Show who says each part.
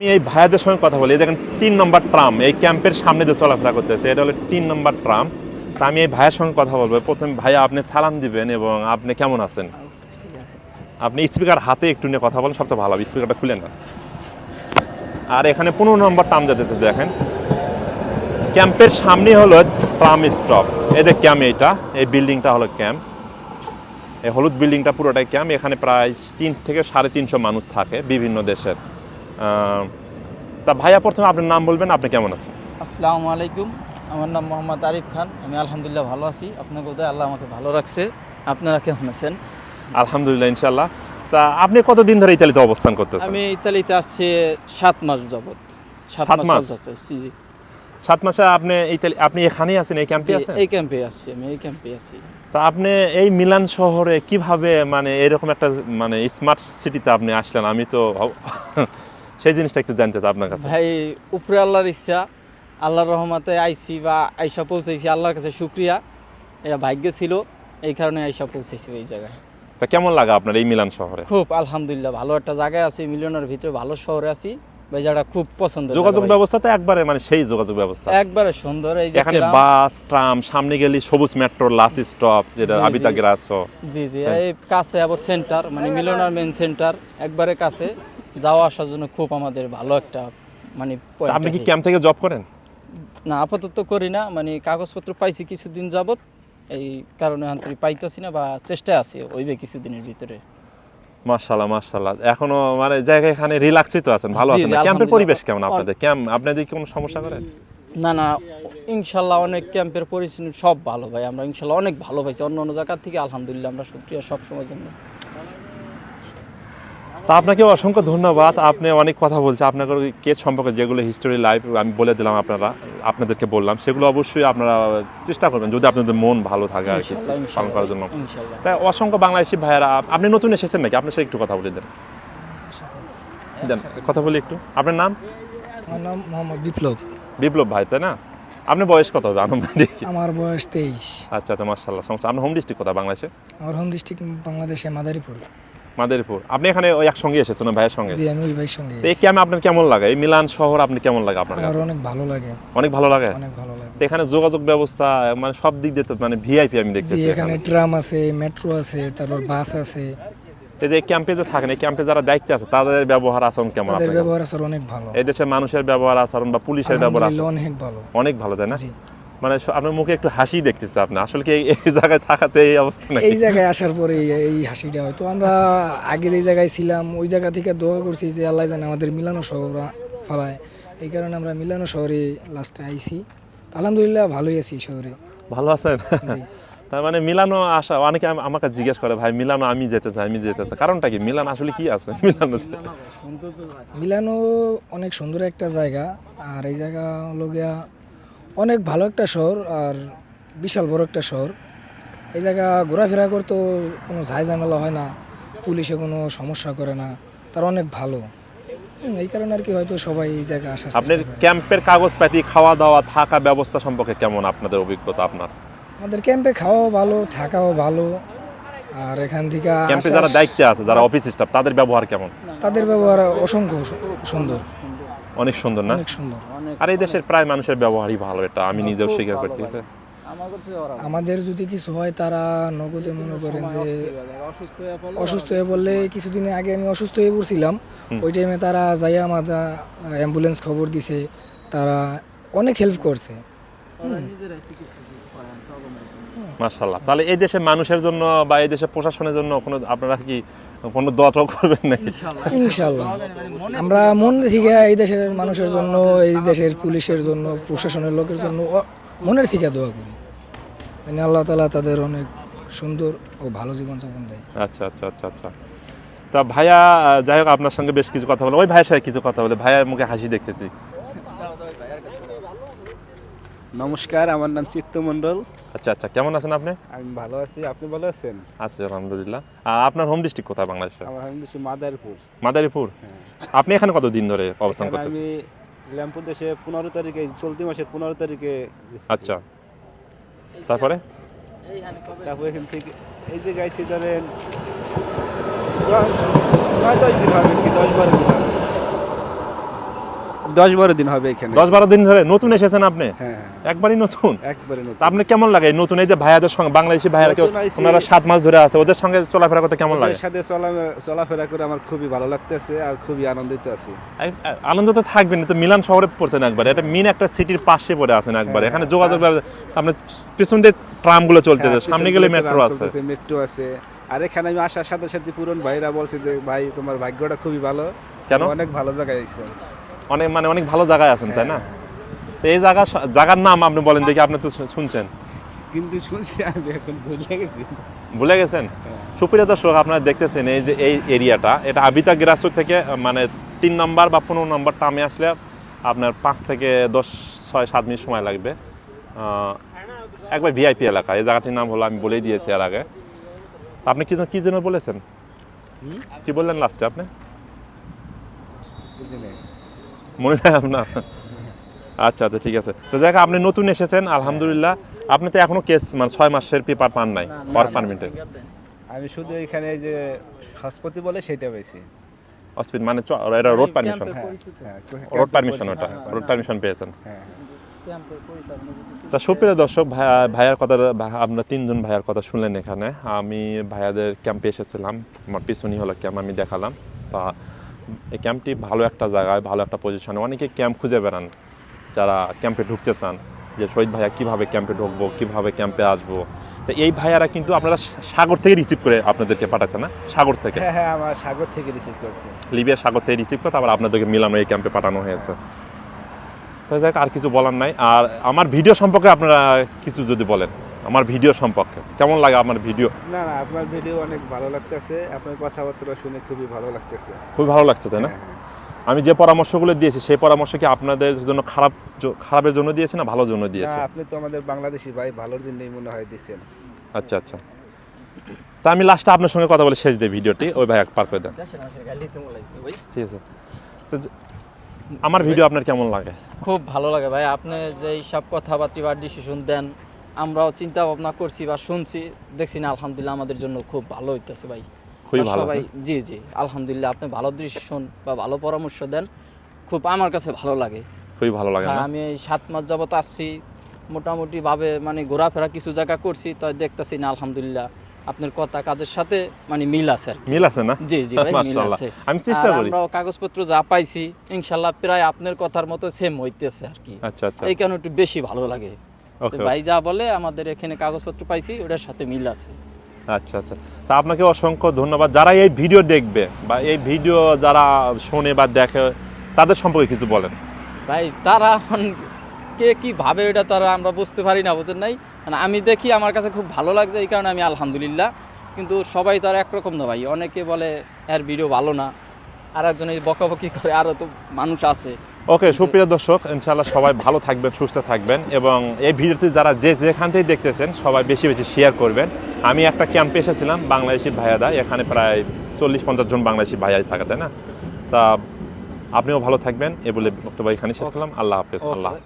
Speaker 1: এই ভাইয়াদের সঙ্গে কথা বলি। দেখেন 3 নম্বর ট্রাম এই ক্যাম্পের সামনে যে চলাফেরা করতেছে, এটা হলো 3 নম্বর ট্রাম। তা আমি এই ভাইয়ের সঙ্গে কথা বলবো। প্রথমে ভাইয়া আপনি সালাম দিবেন এবং আপনি কেমন আছেন? আপনি স্পিকার হাতে একটু নিয়ে কথা বলেন, সবচেয়ে ভালো হবে। স্পিকারটা খুলেন না। আর এখানে 15 নম্বর ট্রাম যেতেছে। দেখেন ক্যাম্পের সামনে হলো ট্রাম স্টপ। এই যে ক্যাম্প, এইটা এই বিল্ডিংটা হলো ক্যাম্প। এই হলুদ বিল্ডিংটা পুরোটাই ক্যাম্প। এখানে প্রায় 3 থেকে 350 মানুষ থাকে বিভিন্ন দেশের। তা ভাইয়া প্রথমে আপনার নাম বলবেন, আপনি কেমন আছেন?
Speaker 2: আসসালামু আলাইকুম, আমার নাম মোহাম্মদ আরিফ খান। আমি আলহামদুলিল্লাহ ভালো আছি। আপনার কোথায় আল্লাহ আমাকে ভালো রাখছে। আপনারা কেমন আছেন?
Speaker 1: আলহামদুলিল্লাহ, ইনশাল্লাহ। তা আপনি কতদিন ধরে ইতালিতে অবস্থান করতেছেন?
Speaker 2: আমি ইতালিতে আসছি 7 মাস যাবত।
Speaker 1: 7 মাস
Speaker 2: চলতেছে। জি।
Speaker 1: 7 মাসে আপনি এখানেই আছেন, এই ক্যাম্পে আছেন?
Speaker 2: এই ক্যাম্পে আসছি, আমি এই ক্যাম্পে আছি।
Speaker 1: তা আপনি এই মিলান শহরে কিভাবে মানে এরকম একটা মানে স্মার্ট সিটিতে আপনি আসলেন? আমি তো সেই জিনিসটা একটু জানতে চাই আপনার কাছে।
Speaker 2: ভাই, উপরে আল্লাহর ইচ্ছা, আল্লাহর রহমতে আইছি বা আইসা পৌঁছেছি। আল্লাহর কাছে শুকরিয়া, এটা ভাগ্য ছিল, এই কারণে আইসা পৌঁছেছি এই জায়গায়।
Speaker 1: তা কেমন লাগে আপনার এই মিলান শহরে?
Speaker 2: খুব আলহামদুলিল্লাহ ভালো একটা জায়গায় আছি, মিলিয়নের ভিতরে ভালো শহরে আছি। ভাই জায়গাটা খুব পছন্দের।
Speaker 1: যোগাযোগ ব্যবস্থা তো একবারে মানে সেই যোগাযোগ ব্যবস্থা
Speaker 2: একবারে সুন্দর। এই যে
Speaker 1: এখানে বাস, ট্রাম, সামনে গেলে সবুজ মেট্রো লাস্ট স্টপ, যেটা আবিতা গ্রাসো।
Speaker 2: জি জি, এই কাছে আবার সেন্টার, মানে মিলনার মেন সেন্টার একবারে কাছে। যাওয়া আসার জন্য খুব আমাদের ভালো একটা মানে point
Speaker 1: আপনি কি
Speaker 2: আছে।
Speaker 1: ক্যাম্প থেকে জব করেন?
Speaker 2: না, আপাতত করি না, মানে কাগজপত্র পাইছি কিছুদিন যাবত, এই কারণে আন্তরিক পাইতেছি না বা চেষ্টায় আছি ওইবে কিছুদিনের ভিতরে।
Speaker 1: মাশাআল্লাহ মাশাআল্লাহ। এখনো মানে জায়গায় এখানে রিল্যাক্সই তো আছেন, ভালো
Speaker 2: জি,
Speaker 1: আছেন
Speaker 2: জি,
Speaker 1: না? ক্যাম্পের
Speaker 2: আলহামদুলিল্লাহ।
Speaker 1: পরিবেশ কেমন আপনাদের? ক্যাম্প আপনাদের কি কোনো সমস্যা করে?
Speaker 2: না না, ইনশাল্লাহ অনেক ক্যাম্পের পরিস্থিতি সব ভালো ভাই। আমরা ইনশাল্লাহ অনেক ভালো পাইছি অন্য অন্য জায়গার থেকে। আলহামদুলিল্লাহ, আমরা শুকরিয়া সব সময়ের জন্য।
Speaker 1: তা আপনাকে অসংখ্য ধন্যবাদ। আপনি অনেক কথা বলছেন আপনার কেস সম্পর্কে, যেগুলো হিস্টোরি লাইফ আমি বলে দিলাম, আপনাদেরকে বললাম, সেগুলো অবশ্যই আপনারা চেষ্টা করবেন যদি আপনাদের মন ভালো থাকে আর কি পালন করার জন্য। তাই অসংখ্য বাংলাদেশি ভাইয়েরা, আপনি নতুন এসেছেন নাকি? আপনার সাথে একটু কথা বলে দেন, কথা বলি একটু। আপনার নাম?
Speaker 3: আমার নাম মোহাম্মদ বিপ্লব।
Speaker 1: বিপ্লব ভাই, তাই না? আপনার বয়স কত হবে আনুমানিক?
Speaker 3: আমার বয়স 23।
Speaker 1: আচ্ছা আচ্ছা, মাশাআল্লাহ। সমস্যা। আপনার হোম ডিস্ট্রিক্ট কোথায় বাংলাদেশে?
Speaker 3: আমার হোম ডিস্ট্রিক্ট বাংলাদেশে মাদারীপুর।
Speaker 1: মাদারীপুর। আপনি এখানে ওই একসঙ্গে এসেছেন ভাইয়ের সঙ্গে?
Speaker 3: জি, আমি ওই ভাইয়ের সঙ্গে।
Speaker 1: এই ক্যাম্পে আপনার কেমন লাগে? এই মিলান শহর আপনি কেমন লাগে আপনার?
Speaker 3: আমার অনেক ভালো লাগে।
Speaker 1: অনেক ভালো লাগে?
Speaker 3: অনেক ভালো লাগে।
Speaker 1: তো এখানে যোগাযোগ ব্যবস্থা মানে সব দিক দিয়ে তো মানে ভিআইপি আমি
Speaker 3: জি,
Speaker 1: দেখতেছি।
Speaker 3: এখানে ট্রাম আছে, মেট্রো আছে, তারপর বাস আছে।
Speaker 1: এই যে ক্যাম্পে যে থাকেন, এই ক্যাম্পে যারা দায়িত্বে আছে তাদের ব্যবহার আচরণ কেমন?
Speaker 3: তাদের
Speaker 1: আপনার
Speaker 3: ব্যবহার আচার অনেক ভালো।
Speaker 1: এই দেশের মানুষের ব্যবহার আচরণ বা পুলিশের ব্যবহার আচরণ
Speaker 3: আলহামদুলিল্লাহ অনেক ভালো।
Speaker 1: অনেক ভালো, তাই না?
Speaker 3: জি।
Speaker 1: মানে আপনার মুখে একটু হাসি দেখতেছি। আপনি আসলে কি এই জায়গায় থাকাতে এই অবস্থা নাকি?
Speaker 3: এই জায়গায় আসার পরে এই হাসিটা হয়তো আমরা আগে যে জায়গায় ছিলাম ওই জায়গা থেকে দোয়া করছি যে আল্লাহ জানে আমাদের মিলানো শহর ফলায়। এই কারণে আমরা মিলানো শহরে লাস্টে আইছি। আলহামদুলিল্লাহ ভালোই আছি শহরে।
Speaker 1: ভালো আছেন?
Speaker 3: জি।
Speaker 1: তার মানে মিলানো আসা, অনেকে আমাকে জিজ্ঞেস করে ভাই মিলানো আমি যেতে চাই, আমি যেতে চাই। কারণটা কি? মিলান আসলে কি আছে মিলানো?
Speaker 3: মিলানো অনেক সুন্দর একটা জায়গা। আর এই জায়গা হলো গিয়া অনেক ভালো একটা শহর আর বিশাল বড় একটা শহর। এই জায়গা ঘোরাফেরা করতেও কোনো ঝামেলা হয় না, পুলিশে কোনো সমস্যা করে না, তার অনেক ভালো। এই কারণে আর কি হয়তো সবাই এই জায়গায় আসার
Speaker 1: আপনার
Speaker 3: চেষ্টা করে।
Speaker 1: ক্যাম্পের কাগজপাতি, খাওয়া দাওয়া, থাকা ব্যবস্থা সম্পর্কে কেমন আপনাদের অভিজ্ঞতা? আপনার
Speaker 3: আমাদের ক্যাম্পে খাওয়াও ভালো, থাকাও ভালো। আর এখান থেকে
Speaker 1: ক্যাম্পে যারা দায়িত্বে আছে, যারা অফিস স্টাফ, তাদের ব্যবহার কেমন?
Speaker 3: তাদের ব্যবহার অসংখ্য সুন্দর,
Speaker 1: অনেক সুন্দর না?
Speaker 3: অনেক সুন্দর।
Speaker 1: আর এই দেশের প্রায় মানুষের ব্যবহারই ভালো, এটা আমি নিজেও স্বীকার করতেছি।
Speaker 3: আমাদের যদি কিছু হয় তারা নগদে মনে করেন যে অসুস্থ হয়ে পড়লে, কিছুদিন আগে আমি অসুস্থ হয়ে পড়ছিলাম, ওই টাইমে তারা যাইয়া আমাদের অ্যাম্বুলেন্স খবর দিছে, তারা অনেক হেল্প করছে।
Speaker 1: মাশাআল্লাহ। তাহলে এই দেশের মানুষের জন্য বা এই দেশের প্রশাসনের জন্য কোনো আপনারা কি কোনো দোয়া করবেন নাকি?
Speaker 3: ইনশাআল্লাহ আমরা মন থেকে এই দেশের মানুষের জন্য, এই দেশের পুলিশের জন্য, প্রশাসনের লোকের জন্য মনের থেকে দোয়া করি, মানে আল্লাহ তাআলা তাদের অনেক সুন্দর ও ভালো জীবনযাপন দেয়।
Speaker 1: আচ্ছা আচ্ছা আচ্ছা আচ্ছা। তা ভাইয়া, যাই হোক আপনার সঙ্গে বেশ কিছু কথা বলে, ওই ভাইয়ের সাথে কিছু কথা বলে, ভাইয়ার মুখে হাসি দেখতেছি।
Speaker 4: নমস্কার, আমার নাম চিত্ত মণ্ডল।
Speaker 1: আচ্ছা আচ্ছা, কেমন আছেন আপনি?
Speaker 4: আমি ভালো আছি, আপনি ভালো আছেন?
Speaker 1: আছি আলহামদুলিল্লাহ। আপনার হোম ডিস্ট্রিক্ট কোথায় বাংলাদেশে?
Speaker 4: আমার আমি দেশে মাদারীপুর।
Speaker 1: মাদারীপুর। আপনি এখানে কতদিন ধরে অবস্থান
Speaker 4: এখানে
Speaker 1: করতেছেন?
Speaker 4: আমি ল্যাম্পুর দেশে 15 তারিখে, চলতি মাসের 15 তারিখে গেছি।
Speaker 1: আচ্ছা, তারপরে
Speaker 4: তারপর এখান থেকে এই যে গাইছি ধরেন 9-10 দিন হবে কি, 10-12 দিন হবে। 10-12 দিন হবে এখানে।
Speaker 1: 10-12 দিন ধরে নতুন এসেছেন আপনি?
Speaker 4: হ্যাঁ,
Speaker 1: একবারই নতুন?
Speaker 4: একবারে নতুন।
Speaker 1: তা আপনি কেমন লাগে এই নতুন এই যে ভাইয়াদের সঙ্গে বাংলাদেশি ভাইয়ারা কেউ
Speaker 4: নতুন আইছি।
Speaker 1: ওনারা 7 মাস ধরে আছে ওদের সঙ্গে চলাফেরা করতে কেমন লাগে?
Speaker 4: ওদের সাথে চলাফেরা করে আমার খুবই ভালো লাগতেছে আর খুবই আনন্দিত আছি।
Speaker 1: আনন্দ তো থাকবেন, তো মিলান শহরে পড়ছেন একবার, এটা মিন একটা সিটির পাশে পড়ে আছেন একবার, এখানে যোগাযোগ আপনার পিছন দিয়ে ট্রামগুলো চলতেছে, সামনে গেলে মেট্রো আছে।
Speaker 4: মেট্রো আছে। আর এখানে আমি আসার সাথে সাথে পুরন ভাইরা বলছে যে ভাই তোমার ভাগ্যটা খুবই ভালো।
Speaker 1: কেন?
Speaker 4: অনেক ভালো জায়গায় আইছেন।
Speaker 1: অনেক ভালো জায়গায় আছেন তাই না? তো এই জায়গার নাম আপনি বলেন দেখি, আপনি তো শুনছেন
Speaker 4: কিন্তু শুনছি আমি এখন ভুলে গেছি।
Speaker 1: ভুলে গেছেন? সুপ্রিয় দর্শক, আপনারা দেখতেছেন এই যে এই এরিয়াটা, এটা আবিতা গ্রাসু থেকে মানে 3 নম্বর বা 15 নম্বর ট্রামে আসলে আপনার 5 থেকে 10-6-7 মিনিট সময় লাগবে। একবার ভিআইপি এলাকা, এই জায়গাটির নাম হলো আমি বলেই দিয়েছি এর আগে। আপনি কি যেন বলেছেন, কি বললেন লাস্টে আপনি?
Speaker 4: বুঝি নাই।
Speaker 1: মনে নাই আপনার? আচ্ছা আচ্ছা, ঠিক আছে। তো যাই হোক, আপনি নতুন এসেছেন আলহামদুলিল্লাহ। আপনি তো এখনো কেস মানে 6 মাসের পেপার পান নাই ওয়ার্ক পারমিটে।
Speaker 4: আমি শুধু এখানে এই যে হাসপাতি বলে সেটা পেয়েছি।
Speaker 1: অসপিট মানে এটা রোড পারমিশন,
Speaker 4: হ্যাঁ,
Speaker 1: রোড পারমিশন, ওটা রোড পারমিশন পেয়েছেন।
Speaker 4: হ্যাঁ।
Speaker 1: তা সুপ্রিয় দর্শক, ভাইয়ার কথা, আপনার 3 জন ভাইয়ার কথা শুনলেন এখানে। আমি ভাইয়াদের ক্যাম্পে এসেছিলাম, আমার পিছনই হলো ক্যাম্প, আমি দেখালাম। তা এই ক্যাম্পটি ভালো একটা জায়গায়, ভালো একটা পজিশনে, অনেকে ক্যাম্প খুঁজে বেড়ান যারা ক্যাম্পে ঢুকতে চান, যে শহীদ ভাইয়া কীভাবে ক্যাম্পে ঢুকবো, কীভাবে ক্যাম্পে আসবো। তো এই ভাইয়ারা কিন্তু আপনারা সাগর থেকে রিসিভ করে আপনাদেরকে পাঠাচ্ছে না? সাগর থেকে?
Speaker 4: হ্যাঁ হ্যাঁ, আমার সাগর থেকে রিসিভ করছে।
Speaker 1: লিবিয়া সাগর থেকে রিসিভ করে তারপর আপনাদেরকে মিলানো এই ক্যাম্পে পাঠানো হয়েছে। তো যাক, আর কিছু বলার নাই। আর আমার ভিডিও সম্পর্কে আপনারা কিছু যদি বলেন, আমার ভিডিও সম্পর্কে কেমন লাগে আমার ভিডিও?
Speaker 4: না না, আপনার ভিডিও অনেক ভালো লাগতেছে, আপনার কথাবার্তা শুনে খুবই ভালো লাগতেছে।
Speaker 1: খুবই ভালো লাগছে তাই না? আমি যে পরামর্শগুলো দিয়েছি সেই পরামর্শ কি আপনাদের জন্য খারাপের জন্য দিয়েছি না ভালোর জন্য দিয়েছি?
Speaker 4: না, আপনি তো আমাদের বাংলাদেশি ভাই, ভালোর জন্যই মনে হয় দিচ্ছেন।
Speaker 1: আচ্ছা আচ্ছা, তা আমি লাস্টে আপনার সঙ্গে কথা বলে শেষ দিই ভিডিওটি, ওই ভাই পার করে দেন। ঠিক আছে। তো আমার ভিডিও আপনার কেমন লাগে?
Speaker 2: খুব ভালো লাগে ভাই, আপনি যে সব কথাবার্তা বা ডিসিশন দেন, আমরাও চিন্তা ভাবনা করছি বা শুনছি, দেখছি না আলহামদুলিল্লাহ আমাদের জন্য খুব ভালো হইতেছে ভাই।
Speaker 1: খুবই ভালো।
Speaker 2: সবাই জি জি আলহামদুলিল্লাহ, আপনি ভালো ডিসিশন বা ভালো পরামর্শ দেন, খুব আমার কাছে ভালো লাগে।
Speaker 1: খুবই ভালো লাগে
Speaker 2: হ্যাঁ,
Speaker 1: না?
Speaker 2: আমি এই 7 মাস যাবত আসছি, মোটামুটি ভাবে মানে ঘোরাফেরা কিছু জায়গা করছি, তাই দেখতেছি না আলহামদুলিল্লাহ আপনার কথা কাজের সাথে মানে মিল আছে আর কি।
Speaker 1: মিল আছে না?
Speaker 2: জি জি ভাই, মিল
Speaker 1: মাশাআল্লাহ,
Speaker 2: আছে।
Speaker 1: আমি চেষ্টা
Speaker 2: আর
Speaker 1: করি।
Speaker 2: আমরাও কাগজপত্র যা পাইছি ইনশাআল্লাহ প্রায় আপনার কথার মতো সেম হইতেছে আর কি।
Speaker 1: আচ্ছা আচ্ছা,
Speaker 2: এই কারণে একটু বেশি ভালো লাগে। তো
Speaker 1: ওকে।
Speaker 2: ভাই যা বলে আমাদের এখানে কাগজপত্র পাইছি ওটার সাথে মিল আছে।
Speaker 1: আচ্ছা আচ্ছা, তা আপনাকে অসংখ্য ধন্যবাদ। যারা এই ভিডিও দেখবে বা এই ভিডিও যারা শোনে বা দেখে, তাদের সম্পর্কে কিছু বলেন।
Speaker 2: ভাই তারা এখন কে কি ভাবে এটা তারা আমরা বুঝতে পারি না, বুঝেন নাই? মানে আমি দেখি আমার কাছে খুব ভালো লাগছে, এই কারণে আমি আলহামদুলিল্লাহ। কিন্তু সবাই তো আর একরকম না ভাই, অনেকে বলে এর ভিডিও ভালো না, আর একজন এই বকাবকি করে, আরও তো মানুষ আছে।
Speaker 1: ওকে, সুপ্রিয় দর্শক, ইনশাআল্লাহ সবাই ভালো থাকবেন, সুস্থ থাকবেন, এবং এই ভিডিওতে যারা যেখান থেকে দেখতেছেন সবাই বেশি বেশি শেয়ার করবেন। আমি একটা ক্যাম্পে এসেছিলাম, বাংলাদেশি ভাইয়াদা, এখানে প্রায় 40-50 জন বাংলাদেশি ভাইয়াই থাকে তাই না? তা আপনিও ভালো থাকবেন, এ বলে বক্তব্য এখানে শেষ করলাম। আল্লাহ হাফেজ। আল্লাহ।